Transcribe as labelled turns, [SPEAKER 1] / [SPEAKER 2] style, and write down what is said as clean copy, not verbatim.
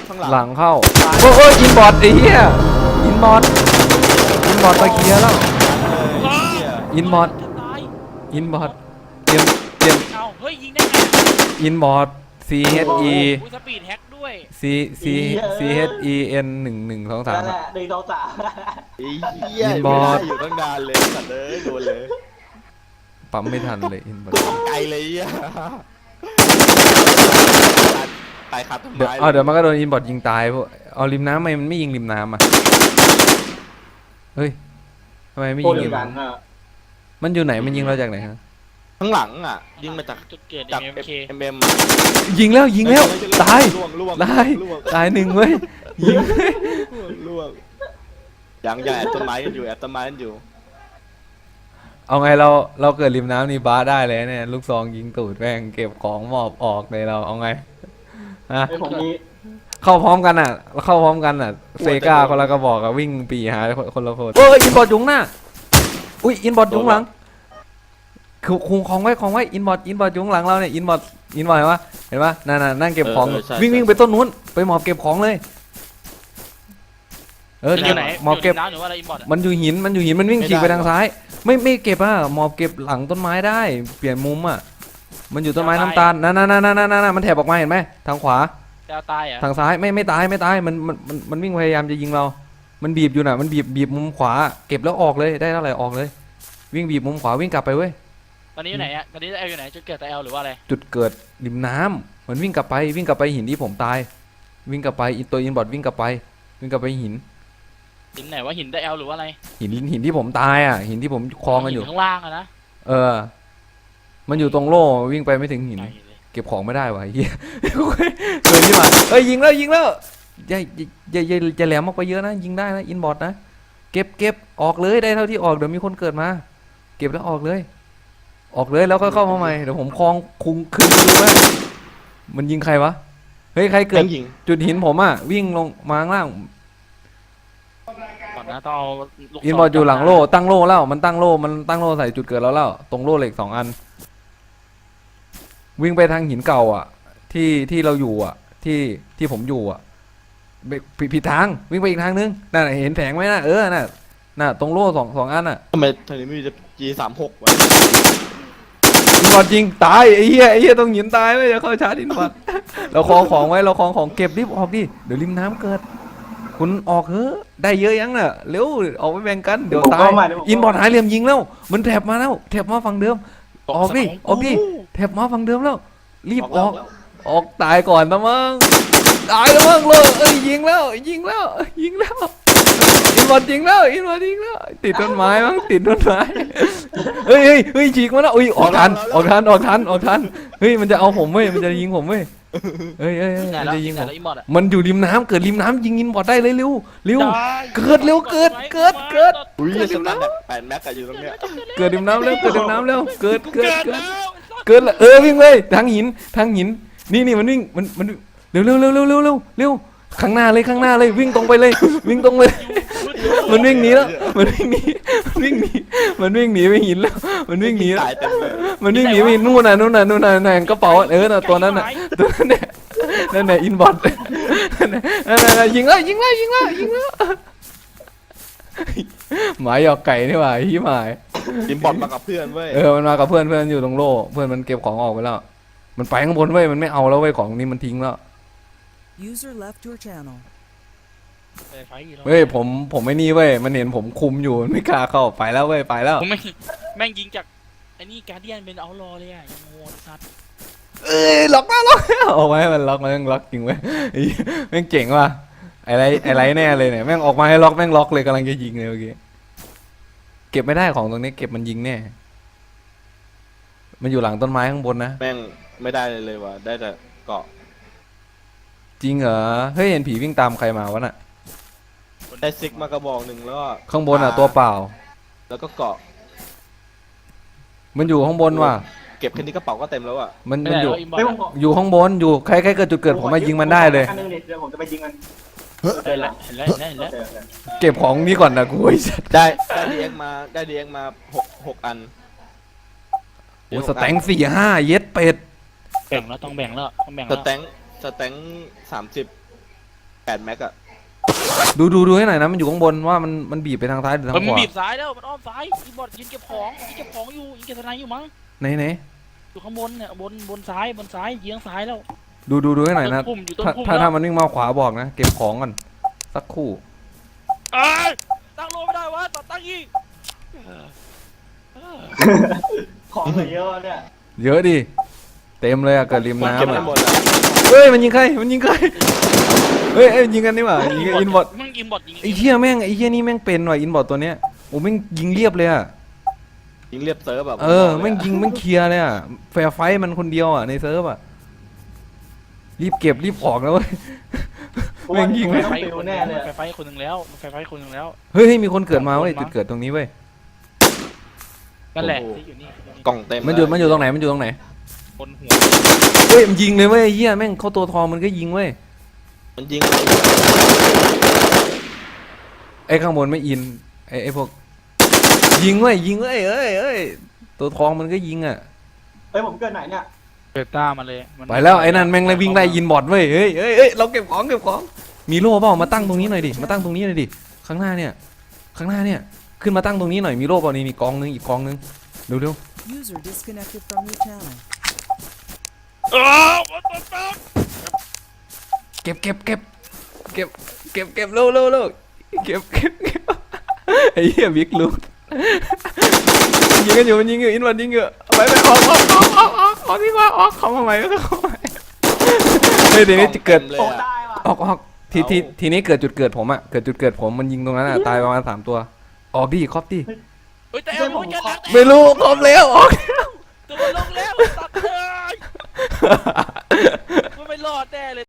[SPEAKER 1] ข้างหลัง
[SPEAKER 2] หลังเข้าโอ้ยอินบอร์ดไอ้เหี้ยอินบอร์ดตะเกียแล้วอินบอร์ดเตรียม
[SPEAKER 3] เอาเฮ้ยยิงได้ไง
[SPEAKER 2] อินบอร์ด C H E
[SPEAKER 3] สปีดแฮกด้วย
[SPEAKER 2] C C H E N 1 1 2 3
[SPEAKER 4] นั่นแหละ1 2 3
[SPEAKER 1] ไอ้เหี้ย
[SPEAKER 2] อินบอร์ด
[SPEAKER 1] ไม่ได้อยู่ตั้งนานเลยสัตว์เลยโดนเลย
[SPEAKER 2] ปั๊มไม่ทันเลยอินบอร์
[SPEAKER 1] กู
[SPEAKER 2] ด
[SPEAKER 1] ตกใจเลยอ่ะตายครับทำ
[SPEAKER 2] เดี๋ยว
[SPEAKER 1] ร้าย
[SPEAKER 2] เดี๋ยวมันก็โดนอินบอร์ดยิงตายพวกเอาริมน้ำทำไมมันไม่ยิงริมน้ำอ่ะเฮ้ยทำไมไม่
[SPEAKER 4] โค
[SPEAKER 2] ยิ
[SPEAKER 4] ต
[SPEAKER 2] ง
[SPEAKER 4] ร
[SPEAKER 2] ริม
[SPEAKER 4] กัน
[SPEAKER 2] น้ำมันอยู่ไหนมันยิงเราจากไหนฮะ
[SPEAKER 1] ข้างหลังอ่ะยิงมาจาก
[SPEAKER 3] จุดเกิด
[SPEAKER 1] MK
[SPEAKER 2] ยิงแล้วตาย
[SPEAKER 1] ล่วง
[SPEAKER 2] ตายหนึ่งเว้ยยิง
[SPEAKER 1] ล่วงยังแอบต้นไม้กันอยู่แอบต้นไม้กันอยู่
[SPEAKER 2] เอาไงเราเกิดริมน้ำนี่บ้าได้เลยเนี่ยลูกซองยิงตูดแม่งเก็บของหมอบออกเลยเราเอาไงฮะ
[SPEAKER 4] ไอ้ผมมี
[SPEAKER 2] เข้าพร้อมกันอ่ะเซกาคนละกระบอกอะวิ่งปีหาคนละคนโอ้ยอินบอร์ดยุงหน้าอุ้ยอินบอร์ดยุงหลังคือคุงของไว้อินบอร์ดยุงหลังเราเนี่ยอินบอร์ดเห็นปะนั่งเก็บของวิ่งไปต้นนู้นไปหมอบเก็บของเลย
[SPEAKER 3] อยู่ไหน
[SPEAKER 2] หมอบเก็บ
[SPEAKER 3] น้ำหรือว่าอะไรอินบอร์ด
[SPEAKER 2] มันอยู่หินมันวิ่งฉีกไปทางซ้ายไม่เก็บอ่ะหมอบเก็บหลังต้นไม้ได้เปลี่ยนมุมอ่ะมันอยู่ต้นไม้น้ำตาลนั่นมันแถบออกมาเห็นไหมทางขวา
[SPEAKER 3] ดาวตายอ่ะ
[SPEAKER 2] ทางซ้ายไม่ตายมันวิ่งพยายามจะยิงเรา มันบีบอยู่น่ะมันบีบมุมขวาเก็บแล้วออกเลยได้เท่าไหร่ออกเลย วิ่งบีบมุมขวาวิ่งกลับไปเว้ย
[SPEAKER 3] ตอนนี้อยู่ไหนอ่ะตอนนี้เอลอยู่ไหนจุดเกิดแต่เอลหรือว่าอะไร
[SPEAKER 2] จุดเกิดริมน้ำมันวิ่งกลับไปหินที่ผมตาย วิ่งกลับไปตัวอินบอร์ดวิ่งกลับไปหิน
[SPEAKER 3] หินไหนว่าหินแต่เอลหรือว่าอะไร
[SPEAKER 2] หินที่ผมตายอ่ะหินที่ผมคลองกันอยู่
[SPEAKER 3] ข้างล่างอะนะ
[SPEAKER 2] มันอยู่ตรงโล่วิ่งไปไม่ถึงหิน
[SPEAKER 3] ไกลเลย
[SPEAKER 2] เก็บของไม่ได้วะเฮียเคยที่มายิงแล้วอย่าแหลมออกไปเยอะนะยิงได้นะอินบอร์ดนะเก็บออกเลยได้เท่าที่ออกเดี๋ยวมีคนเกิดมาเก็บแล้วออกเลยแล้วก็เข้ามาใหม่เดี๋ยวผมคลองคุงคืนดูว่ามันยิงใครวะเฮ้ยใครเกิด
[SPEAKER 1] ยิง
[SPEAKER 2] จุดหินผมอ่ะวิ่งลงมาข้างล่าง
[SPEAKER 3] ก่อนนะต้องเอาลูก
[SPEAKER 2] อินบอร์ดอยู่หลังโล่ตั้งโล่แล้วมันตั้งโล่ใส่จุดเกิดแล้วตรงโล่เหล็ก2 อันวิ่งไปทางหินเก่าอ่ะที่เราอยู่อ่ะที่ผมอยู่อ่ะผิดทางวิ่งไปอีกทางนึงน่ะเห็นแผงไหมน่ะน่ะตรงโล่สองอันน่ะ
[SPEAKER 1] ทำไมทางนี้ไม่มี G36 วะ
[SPEAKER 2] อินบอร์ดยิงตายไอ้เหี้ยต้องหินตายไม่จะเข้าชาร์จอินบอร์ดเราคลองของไว้เราคลองของเก็บรีบออกดิเดี๋ยวริมน้ำเกิดคุณออกเฮ้ได้เยอะยังน่ะเร็วออกไปแบ่งกันเดี๋ยวตายอินบอร์ดหายเหลี่ยมยิงแล้วมันแถบมาฝั่งเดิมออกดิแถบมาฝั่งเดิมแล้วรีบออกตายก่อนนะมั้งตายแล้วมั้งเลยยิงแล้วอินบอร์ดยิงแล้วติดต้นไม้มั้งติดต้นไม้เฮ้ยฉีกมาแล้วออกทันเฮ้ยมันจะเอาผมเว้ยมันจะยิงผมเว้ยเฮ้ยมันจะยิงผม
[SPEAKER 3] อินบอร์ดอะ
[SPEAKER 2] มันอยู่ริมน้ำเกิดริมน้ำยิงอินบอร์ดได้เลยเร็วเกิด
[SPEAKER 1] อุ้ยสตันแบบ8 แม็กอะอยู่ตรงเนี้ย
[SPEAKER 2] เกิดริมน้ำเร็วเกิดแล้ววิ่งเลยทางหินนี่มันวิ่งมันเร็วข้างหน้าเลยวิ่งตรงไปเลยมันวิ่งหนีแล้วมันวิ่งหนีไปหินแล้วมันวิ่งหนี
[SPEAKER 1] ตายเต็มเลย
[SPEAKER 2] ไปหินนู่นน่ะกระเป๋าน่ะตัวนั้นน่ะนั่นน่ะอินบอร์ดนั่นยิงแล้วหมาหยอกไก่นี่หว่าฮีหมาย
[SPEAKER 1] อินบอร์ดมากับเพื่อนเว้ย
[SPEAKER 2] มันมากับเพื่อนอยู่ตรงโล่เพื่อนมันเก็บของออกไปแล้วมันไปข้างบนเว้ยมันไม่เอาแล้วเว้ยของนี้มันทิ้งแล้ว
[SPEAKER 5] User left your channel.
[SPEAKER 3] ไฟอีกแล้ว
[SPEAKER 2] เว้ยผมไม่นี่เว้ยมันเห็นผมคุมอยู่มันไม่กล้าเข้าไปแล้วเว้ยไปแล้ว
[SPEAKER 3] ผมแม่งยิงจากไอ้นี่การเดียนเป็นเอารอเลยอ่ะยังโง่สัตว์
[SPEAKER 2] ล็อกเอาไว้มันล็อกจริงเว้ยแม่งเจ๋งว่ะอะไรแน่เลยเนี่ยแม่งออกมาให้ล็อกแม่งล็อกเลยกำลังจะยิงเลยเมื่อกี้เก็บไม่ได้ของตรงนี้เก็บมันยิงแน่มันอยู่หลังต้นไม้ข้างบนนะ
[SPEAKER 1] แม่งไม่ได้เลยว่ะได้แต่เกาะ
[SPEAKER 2] จริงเหรอเฮ้ยเห็นผีวิ่งตามใครมาวะน่ะ
[SPEAKER 1] ได้ซิกมากระบอกหนึ่งแล้วก็
[SPEAKER 2] ข้างบนอ่ะตัวเปล่า
[SPEAKER 1] แล้วก็เกาะ
[SPEAKER 2] มันอยู่ข้างบนว่ะ
[SPEAKER 1] เก็บแค่นี้กระเป๋าก็เต็มแล้วอ่ะ
[SPEAKER 2] มัน
[SPEAKER 3] ไม่ได้
[SPEAKER 2] อยู่
[SPEAKER 3] แล้วอินบอร์
[SPEAKER 4] ไม่
[SPEAKER 3] ด
[SPEAKER 4] ผม
[SPEAKER 3] อะ
[SPEAKER 2] อยู่ข้างบนอยู่ใครเกิดจุดเกิดผมมายิงมันได้เลย
[SPEAKER 4] อันนึงเดี๋ยวผมจะไปยิงมัน
[SPEAKER 3] เห็นแล้ว
[SPEAKER 2] เก็บของนี้ก่อนนะกูไอ้สัส
[SPEAKER 1] ได้ดีเอ็กมา6 อัน
[SPEAKER 2] โอ้สแต็ง4 5เย็ดเป็ด
[SPEAKER 3] แบ่งแล้วต้องแบ่งแล้ว
[SPEAKER 1] สแต็ง30 8 แม็กอะ
[SPEAKER 2] ดูให้หน่อยนะมันอยู่ข้างบนว่ามันบีบไปทางซ้ายหรือทาง
[SPEAKER 3] มัน
[SPEAKER 2] ขวา
[SPEAKER 3] บีบซ้ายแล้วมันอ้อมซ้ายอีบอดยืนเก็บของยิงเก็บของอยู่ยิงเก็บทนายอยู่มั้ง
[SPEAKER 2] ไหน
[SPEAKER 3] อยู่ข้างบนเนี่ยบนซ้ายยิงซ้ายแล้ว
[SPEAKER 2] ดูให้หน่อยนะ
[SPEAKER 3] ต้นพุ่มอยู่ต้น
[SPEAKER 2] ถ้า
[SPEAKER 3] พุ่ม
[SPEAKER 2] ถ้า
[SPEAKER 3] แล้ว
[SPEAKER 2] มันวิ่งมาขวาบอกนะเก็บของก่อนสักครู่
[SPEAKER 3] เอ้ยตั้งโลไม่ได้วะตั้งอีก
[SPEAKER 4] ของเหลือเยอะเนี่ย
[SPEAKER 2] เยอะดิเต็มเลยอะเกิดริม
[SPEAKER 1] เก็บ
[SPEAKER 2] น้ำ
[SPEAKER 1] ได้
[SPEAKER 2] อะ
[SPEAKER 1] หมดอะ
[SPEAKER 2] เฮ้ยมันยิงใครเฮ้ยยิงกันนี่หว่ายิงกันอินบอท
[SPEAKER 3] มึงยิงบอดยิง
[SPEAKER 2] ไอ้เหี้ยนี่แม่งเป็นว่ะอินบอทตัวเนี้ยโอ้แม่งยิงเรียบเลยอะ
[SPEAKER 1] ยิงเรียบเซิร์ฟแบบ
[SPEAKER 2] แม่งยิงแม่งเคลียร์เลยอะแฟร์ไฟท์มันคนเดียวอะในเซิร์ฟอะรีบเก็บรีบออกนะเว้ย แม่งยิง
[SPEAKER 4] ไม่
[SPEAKER 2] ไม่
[SPEAKER 4] ต้อง
[SPEAKER 3] ไฟ
[SPEAKER 4] ปิว
[SPEAKER 3] คน
[SPEAKER 4] แน่
[SPEAKER 3] แน่
[SPEAKER 4] เล
[SPEAKER 3] เลย ยไฟคนหนึ่งแล้วไฟคนหนึ่งแล้ว
[SPEAKER 2] เฮ้ยมีคนเกิดมาเว้ยจุดเกิดตรงนี้เว้ย
[SPEAKER 3] นั่นแหละที่อยู่นี่
[SPEAKER 1] กล่องเต็ม
[SPEAKER 2] มันอยู่ตรงไหนมันอยู่ตรงไหน
[SPEAKER 3] บนหัว
[SPEAKER 2] เฮ้ยมันยิงเลยเว้ยไอ้เหี้ยแม่งเข้าตัวทองมันก็ยิงเว้ย
[SPEAKER 1] มันยิง
[SPEAKER 2] ไอ้ข้างบนไม่อินไอ้พวกยิงเว้ยเอ้ยตัวทองมันก็ยิงอ่ะ
[SPEAKER 4] เฮ้ยผมเกิดไหนเนี่ย
[SPEAKER 3] เปิดต้ามาเลยมัน
[SPEAKER 2] ไปแล้วไอ้นั่นแม่งเลยวิ่งไล่ยินบอดเว้ยเฮ้ยเราเก็บของมีโล่เปล่ามาตั้งตรงนี้หน่อยดิมาตั้งตรงนี้หน่อยดิข้างหน้าเนี่ยขึ้นมาตั้งตรงนี้หน่อยมีโล่เปล่านี่กองนึงอีกกองนึงเร็ว
[SPEAKER 5] User disconnected from your channel.
[SPEAKER 2] ๆเก็บเร็วเก็บไอ้เหี้ยบิ๊กลูกมันยิงอยู่อินวันยิงอยู่ไปออกดีกว่าเข้ามาใหม่เฮ้ยเดี๋ยวนี้จะเกิด
[SPEAKER 1] เลย
[SPEAKER 4] โอ้
[SPEAKER 1] อะ
[SPEAKER 4] ตายว่ะ
[SPEAKER 2] ออกทีนี้เกิดจุดเกิดผมอะเกิดจุดเกิดผมมันยิงตรงนั้นอะตายประมาณ3 ตัวออกดิครอบดิ
[SPEAKER 3] เฮ้ยแต่เอาไม่จะนัก
[SPEAKER 2] ไม่รู้ครบแล้วออก
[SPEAKER 3] ตัวลงแล้วตัดเลยมันไม่รอดแน่เลย